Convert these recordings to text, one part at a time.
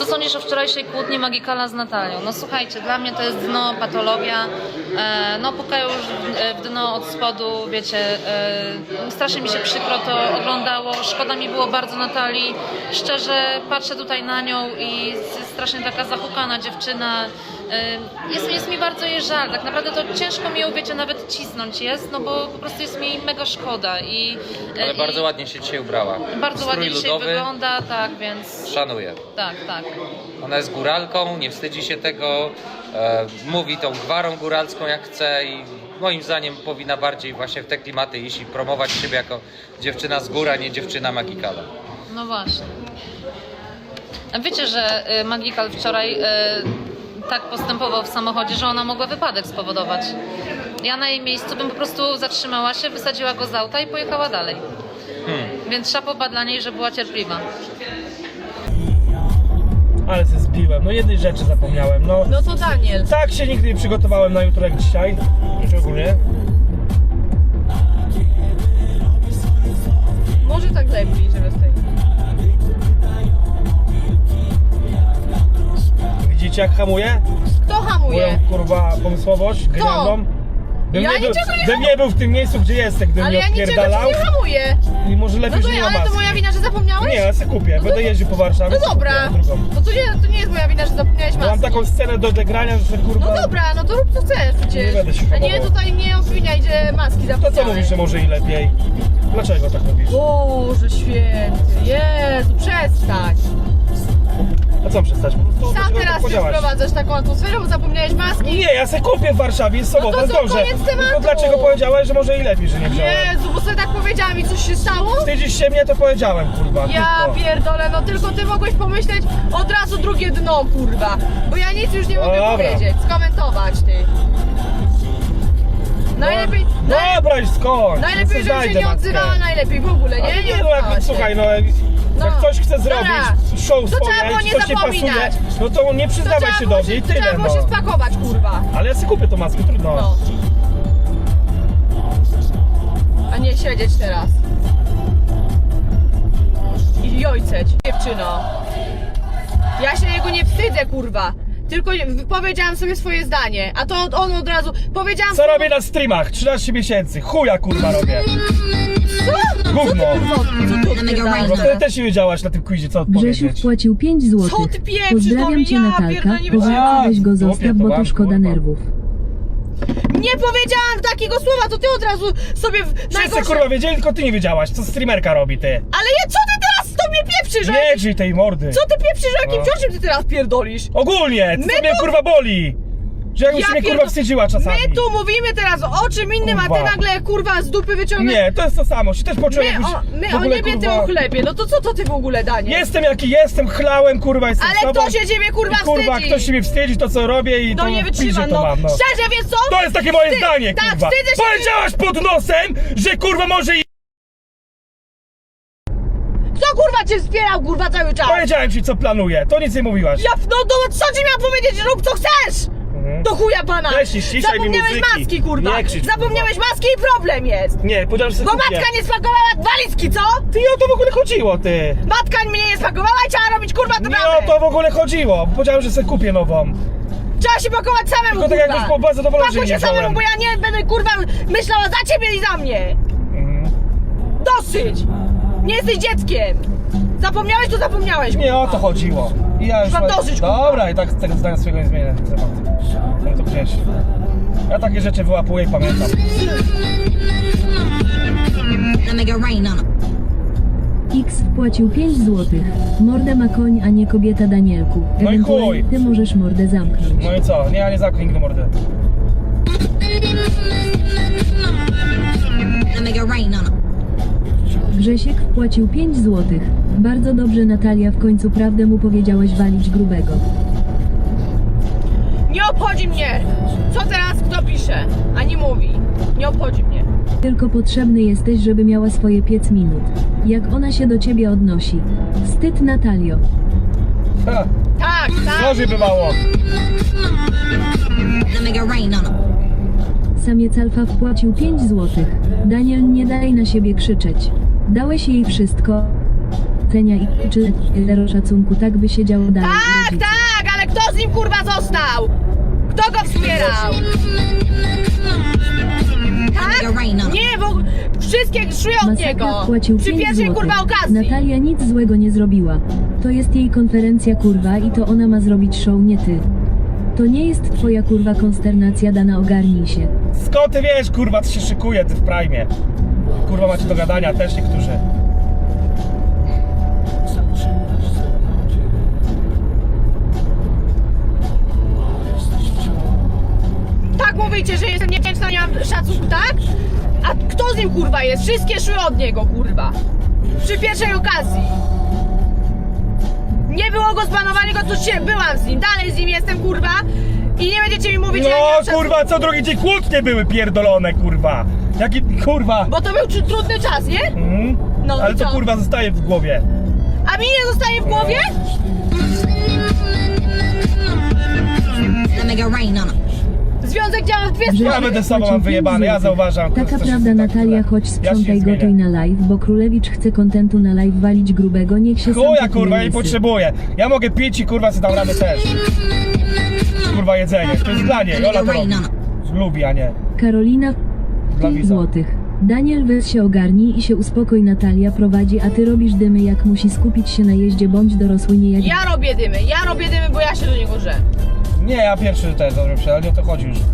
Co sądzisz o wczorajszej kłótni Magikala z Natalią? No słuchajcie, dla mnie to jest dno, patologia. No pukają już w dno od spodu, wiecie, strasznie mi się przykro to oglądało. Szkoda mi było bardzo Natalii. Szczerze patrzę tutaj na nią i jest strasznie taka zapukana dziewczyna. Jest mi bardzo jej żal, tak naprawdę to ciężko mi ją, wiecie, nawet cisnąć jest, no bo po prostu jest mi mega szkoda Ale bardzo ładnie się dzisiaj ubrała. Bardzo ładnie dzisiaj ludowy. wygląda, tak, więc... Szanuję. Tak, tak. Ona jest góralką, nie wstydzi się tego, mówi tą gwarą góralską jak chce i moim zdaniem powinna bardziej właśnie w te klimaty iść i promować siebie jako dziewczyna z gór, a nie dziewczyna Magikala. No właśnie. A wiecie, że Magikal wczoraj tak postępował w samochodzie, że ona mogła wypadek spowodować. Ja na jej miejscu bym po prostu zatrzymała się, wysadziła go z auta i pojechała dalej. Więc szapoba dla niej, że była cierpliwa. Ale się zbiłem, no jednej rzeczy zapomniałem, no. No to Daniel. Tak się nigdy nie przygotowałem na jutro jak dzisiaj, szczególnie. Może tak lepiej, żeby z tej... Widzicie jak hamuje? Kto hamuje? Moją kurwa pomysłowość, genialną. Ja niczego nie Bym nie był w tym miejscu, gdzie jestem, gdybym Ale nie ja niczego odpierdalał. ci nie hamuję. I może lepiej, No to że nie ja, ma ale to maski. moja wina, że zapomniałeś? Nie, ja se kupię, będę jeździł po Warszawie. No se dobra. kupię drugą. No to nie jest moja wina, że zapomniałeś Mam maski. taką scenę do odegrania, że kurwa... No dobra, no to rób co chcesz przecież. Nie będę się A nie hamował. tutaj nie obwiniaj, że maski To zapomniałeś. co mówisz, że może i lepiej? Dlaczego tak robisz? Boże święty, Jezu, przestań. A co przestać? Po prostu Sam dlaczego teraz tak ty podziałaś? wprowadzasz taką atmosferę, bo zapomniałeś maski. Nie, ja se kupię w Warszawie, jest sobota, No to jest co, dobrze. koniec tematu. Tylko dlaczego powiedziałeś, że może i lepiej, że nie wziąłem? Jezu, bo sobie tak powiedziałam i coś się stało? Wstydzisz się mnie, to powiedziałem, kurwa. Ja krótko. pierdolę, no tylko ty mogłeś pomyśleć od razu drugie dno, kurwa. Bo ja nic już nie mogę Dobra. powiedzieć, skomentować ty. Najlepiej, Dobra, już skończ. najlepiej, żebym się Zajdę nie matkę. odzywała, najlepiej w ogóle, Ale nie? nie, no odzywała jak, się. słuchaj, no No. jak ktoś chce zrobić Dobra. show To trzeba swoje, było czy nie coś nie pasuje, zapominać. no to nie To przyznawaj trzeba się było do mnie i tyle, trzeba było no. się spakować, kurwa. Ale ja sobie kupię tą maskę, trudno. No. A nie siedzieć teraz. I jojceć, dziewczyno. Ja się jego nie wstydzę, kurwa. Tylko powiedziałam sobie swoje zdanie, a to on od razu powiedziałam... Co robię na streamach? 13 miesięcy. Chuja, kurwa, robię. Co? Gówno. Co ty odpierdalasz No wtedy teraz? też nie wiedziałaś na tym quizie, co Grzesiu odpowiedzieć. wpłacił 5 zł. Co ty pieprzysz do Pozdrawiam mnie? cię Ja Natalka. pierdolę, nie Powiedz, weź go Głupie zostaw, to bo mam, to szkoda kurwa. nerwów. Nie powiedziałam takiego słowa, to ty od razu sobie Wszyscy kurwa wiedzieli, tylko ty nie wiedziałaś, co streamerka robi, ty. Ale co ty teraz do mnie pieprzysz? Nie drzyj tej mordy. Co ty pieprzysz, o jakim No. ciążem ty teraz pierdolisz? Ogólnie, co My mnie tu- kurwa boli. Że jakbyś mnie kurwa wstydziła czasami. My tu mówimy teraz o czym innym, a ty Kurwa. nagle kurwa z dupy wyciągasz. Nie, to jest to samo, się też poczułem jakbyś My w o ogóle, niebie, ty kurwa, o chlebie. No to co to ty w ogóle, Daniel? Jestem jaki jestem, chlałem, kurwa, jestem Ale sobą. kto się ciebie kurwa I, kurwa, wstydzi? ktoś się mnie wstydzi, to co robię i To to nie w wytrzyma, piździe to no. mam, no. Szczerze, wiesz co? To jest takie moje zdanie, tak, kurwa. wstydzę się. Powiedziałaś pod nosem, że kurwa może i... Kto kurwa cię wspierał kurwa cały czas? Powiedziałem ci co planuję, to nic nie mówiłaś. No to co ci miałam powiedzieć? Rób co chcesz! Do chuja pana! Weź i ściszaj mi Zapomniałeś muzyki. maski, kurwa! Nie krzycz, Zapomniałeś maski i problem jest! Nie, powiedziałem, że Bo sobie kupię. matka nie spakowała walizki, co? Ty, o to w ogóle chodziło, ty. Matka mnie nie spakowała i trzeba robić kurwa to Nie o to w ogóle chodziło. Powiedziałem, że sobie kupię nową. Trzeba się pakować samemu, Tylko tak kurwa! jakoś po bardzo zadowolony, że Pakuj nie się samemu, wziąłem. bo ja nie będę kurwa myślała za ciebie i za mnie! Dosyć! Nie jesteś dzieckiem! Zapomniałeś, to zapomniałeś, Nie o kurwa. to chodziło. I ja już... Mam dosyć, kurwa. Dobra, i tak z tego zdania swojego nie zmienię ten temat. No to gdzieś. Ja takie rzeczy wyłapuję i pamiętam. X wpłacił 5 zł. Mordę ma koń, a nie kobieta, Danielku. No i Ewentualnie chuj. ty możesz mordę zamknąć. No i co? Nie, ja nie zamknę nigdy mordy. Grzesiek wpłacił 5 zł. Bardzo dobrze, Natalia, w końcu prawdę mu powiedziałaś, walić grubego. Nie obchodzi mnie! Co teraz kto pisze? Ani mówi. Nie obchodzi mnie. Tylko potrzebny jesteś, żeby miała swoje 5 minut. Jak ona się do ciebie odnosi. Wstyd, Natalio. Ha, Tak, tak. gorzej bywało. Samiec alfa wpłacił 5 zł. Daniel, nie daj na siebie krzyczeć. Dałeś jej wszystko. docenia i czy zero szacunku, tak by się działo dalej. Tak, rodzice. tak, ale kto z nim kurwa został? Kto go wspierał? Tak? Nie, bo wszystkie szły od niego. Masakra wpłacił Przy 5 pierwszej złotych. kurwa okazji. Natalia nic złego nie zrobiła. To jest jej konferencja kurwa i to ona ma zrobić show, nie ty. To nie jest twoja kurwa konsternacja, Dana, ogarnij się. Skąd ty wiesz, kurwa, co się szykuje, ty w prime? Kurwa, macie do gadania też niektórzy. Tak mówicie, że jestem niewdzięczna, nie mam szacunku, tak? A kto z nim kurwa jest? Wszystkie szły od niego kurwa. Przy pierwszej okazji. Nie było go zbanowanego, to się byłam z nim. Dalej z nim jestem kurwa. I nie będziecie mi mówić, że ja nie mam No, szacunku. kurwa, co drugi dzień kłótnie były pierdolone, kurwa. Jaki, kurwa. Bo to był trudny czas, nie? Mhm. No, Ale i to co? kurwa zostaje w głowie. A mi nie zostaje w głowie? Związek działa w dwie Że- Ja strony. będę sobą mam Płacił wyjebane, 5 ja złotych. zauważam. Taka co się prawda, tak Natalia, źle. chodź Ja się sprzątaj, zmienię. gotuj na live, bo Królewicz chce kontentu na live walić grubego, niech się sam Chuja, kupuje kurwa, ja nie łysy. potrzebuję. Ja mogę pić i kurwa, co dam radę też. Kurwa, jedzenie. To jest dla niej, Ola to robi. Lubi, a nie. Karolina, Dla 5 widza. złotych. Daniel, weź się ogarnij i się uspokój, Natalia prowadzi, a ty robisz dymy, jak musi skupić się na jeździe, bądź dorosły, nie jak... Ja robię dymy, bo ja się do niego żę. Nie, ja pierwszy też, dobrze, ale nie o to chodzi już.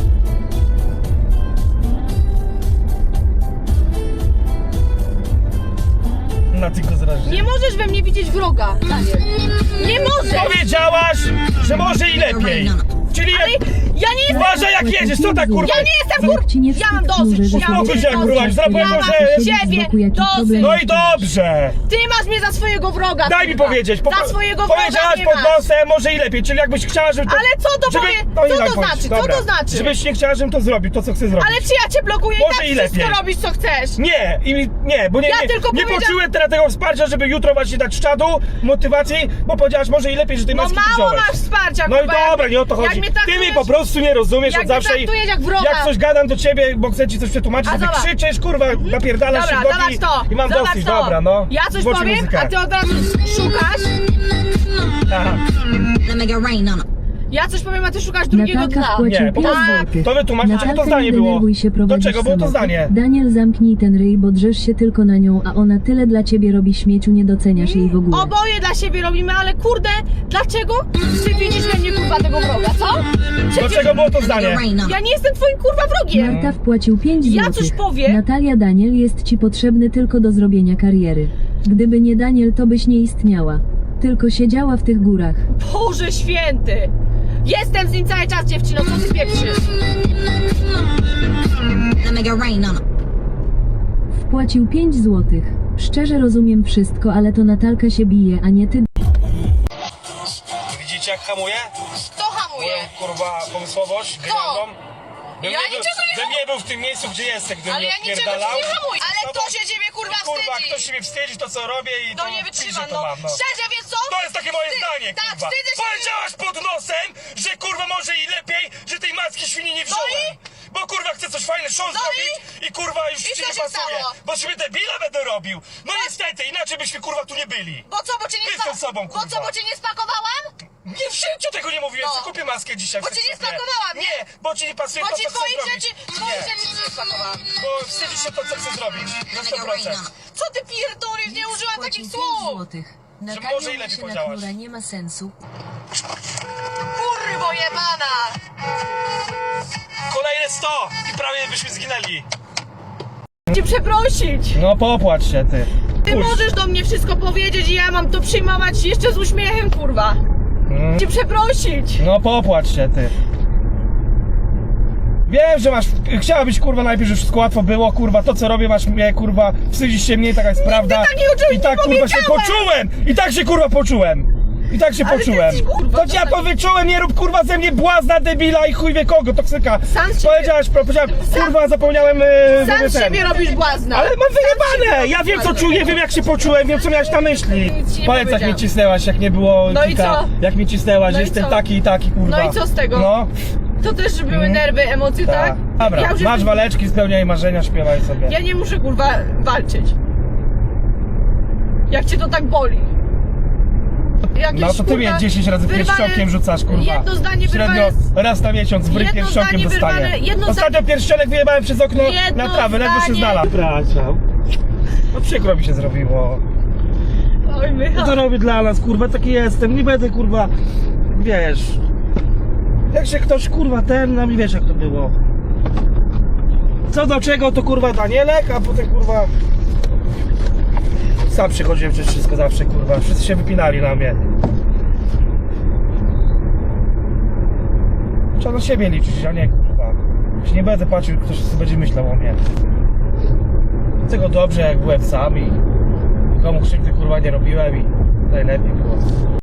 Na tylko zraźnie. Nie możesz we mnie widzieć wroga, Daniel. Nie możesz! Powiedziałaś, że może i lepiej. Czyli Ale ja nie jestem... uważaj jak jedziesz, co tak kurwa? Ja nie jestem Jak ci nie Ja mam wstyd, dosyć, że ja mam Uspokój się, dosyć. kurwa, zaraz powiem, Ja mam że- ciebie dosyć. No i dobrze! Ty masz mnie za swojego wroga. Daj mi kurwa. powiedzieć, Za swojego wroga powiedziałaś mnie pod masz. nosem, może i lepiej, czyli jakbyś chciała, żeby to... Ale co to żeby... powie? no i Co daj to powiedzieć, znaczy? Co dobra. to znaczy? Żebyś nie chciała, żebym to zrobił, to co chcę zrobić. Ale czy ja cię blokuję Może i tak i wszystko lepiej. robisz co chcesz? Nie, nie, bo nie, Ja nie, tylko nie powiedziałam- poczułem teraz tego wsparcia, żeby jutro właśnie dać czadu, motywacji, bo powiedziałaś może i lepiej, że tej No maski mało wziąłeś. masz wsparcia, No i kurwa, dobra, nie o to jak chodzi. mnie Ty mi traktujesz- po prostu nie rozumiesz jak od mnie zawsze. traktujesz jak wroga. Jak coś gadam do ciebie, bo chcę ci coś przetłumaczyć, A to ty zobacz. krzyczysz, kurwa, napierdalasz Dobra, się w zobacz boki to. i mam Zobacz dosyć, to. dobra, no. Ja coś Włącz powiem, muzykę. a ty od razu szukasz. Aha. Ja coś powiem, a ty szukasz drugiego Natalka dna. wpłacił Nie, 5 po- złotych. to wytłumacz, dlaczego to Natalka, zdanie nie było. denerwuj się, Do prowadzisz czego było to samochód. zdanie? Daniel, zamknij ten ryj, bo drzesz się tylko na nią, a ona tyle dla ciebie robi, śmieciu, nie doceniasz jej w ogóle. Oboje dla siebie robimy, ale kurde, dlaczego ty widzisz we mnie kurwa tego wroga, co? Do czego było to zdanie? Ja nie jestem twoim kurwa wrogiem. Marta wpłacił 5 Ja złotych. coś powiem. Natalia, Daniel jest ci potrzebny tylko do zrobienia kariery. Gdyby nie Daniel, to byś nie istniała. Tylko siedziała w tych górach. Boże święty. Jestem z nim cały czas, dziewczyno, co ty pieprzysz? Wpłacił 5 złotych. Szczerze rozumiem wszystko, ale to Natalka się bije, a nie ty. Widzicie jak hamuje? Kto hamuje? Moją kurwa pomysłowość, genialną. Bym Ja nie był- niczego nie bym nie był w tym miejscu, gdzie jestem, gdybym Ale nie ja niczego ci odpierdalał. nie hamuję. Ale No kto bo- się ciebie kurwa Kurwa, wstydzi? ktoś się mnie wstydzi, to co robię i To to nie w wytrzyma, piździe no. to mam, no. Szczerze, wiesz co? To jest takie moje zdanie, tak, kurwa. wstydzę się. Powiedziałaś pod nosem, że kurwa może i lepiej, że tej macki świni nie wziąłem. Bo kurwa chcę coś fajne show No zrobić i kurwa już I ci co nie się pasuje. stało? Bo sobie debila będę robił. No niestety, inaczej byśmy kurwa tu nie byli. Bo co, bo cię nie Jestem sobą, Bo co, kurwa. bo cię nie spakowałam? Nie w życiu tego nie mówiłem, No. co kupię maskę dzisiaj. Bo w cię nie sklepie. spakowałam, nie? Nie, bo ci nie pasuje Bo to, ci co chcę twoich zrobić. rzeczy nie spakowałam. Bo wstydzi się to, co chcę zrobić. Na 100%. Co ty pierdolisz? Nie użyłam takich słów. złotych. może i lepiej powiedziałaś. nie ma sensu. Kurwo jebana. Kolejne 100 i prawie byśmy zginęli. Cię przeprosić. No popłacz się ty. Ty możesz do mnie wszystko powiedzieć i ja mam to przyjmować jeszcze z uśmiechem, kurwa. Cię przeprosić. No popłacz się ty. Wiem, że masz. Chciałabyś kurwa najpierw, żeby wszystko łatwo było, kurwa. To co robię masz mnie kurwa. Wstydzisz się mniej, taka jest prawda. takiego czegoś I tak nie kurwa się powiedziałem. poczułem! I tak się kurwa poczułem! I tak się Ale ty poczułem. jesteś, kurwa, To ja to to wyczułem, nie rób kurwa ze mnie błazna, debila i chuj wie kogo, toksyka. Sam z siebie- Powiedziałaś, powiedziałem, kurwa zapomniałem Sam z ten. siebie robisz błazna. Ale mam wyjebane! Ja wiem co czuję, wiem jak się poczułem, wiem co miałeś na myśli. Nic ci nie Powiedz jak powiedziałam. mnie cisnęłaś, jak nie było No i kika, co? jak mnie cisnęłaś, No że i jestem co? taki i taki kurwa. No i co z tego? No, To też były nerwy, emocje, tak? tak. Dobra, Ja już masz jestem- waleczki, spełniaj marzenia, śpiewaj sobie. Ja nie muszę kurwa walczyć. Jak cię to tak boli? Jakieś, No to ty mnie 10 razy wyrwane- pierścionkiem rzucasz, kurwa. Jedno zdanie Średnio wyrwane- raz na miesiąc w ryj Jedno pierścionkiem zdanie dostaję. wyrwane- jedno Ostatnio pierścionek wyjebałem przez okno Jedno na trawę, ledwo się zdanie- znalazł. Przepraszam. No przykro mi się zrobiło. Oj, No Michał. to robię dla nas, kurwa, taki jestem. Nie będę, kurwa, wiesz. Jak się ktoś, kurwa, no i wiesz jak to było. Co do czego, to kurwa Danielek, a potem, kurwa... Sam przychodziłem przez wszystko zawsze, kurwa. Wszyscy się wypinali na mnie. Trzeba na siebie liczyć, a nie, kurwa. Się nie będę patrzył, ktoś sobie będzie myślał o mnie. Chcę go dobrze, jak byłem sam i... Nikomu krzywdy, kurwa, nie robiłem i najlepiej było.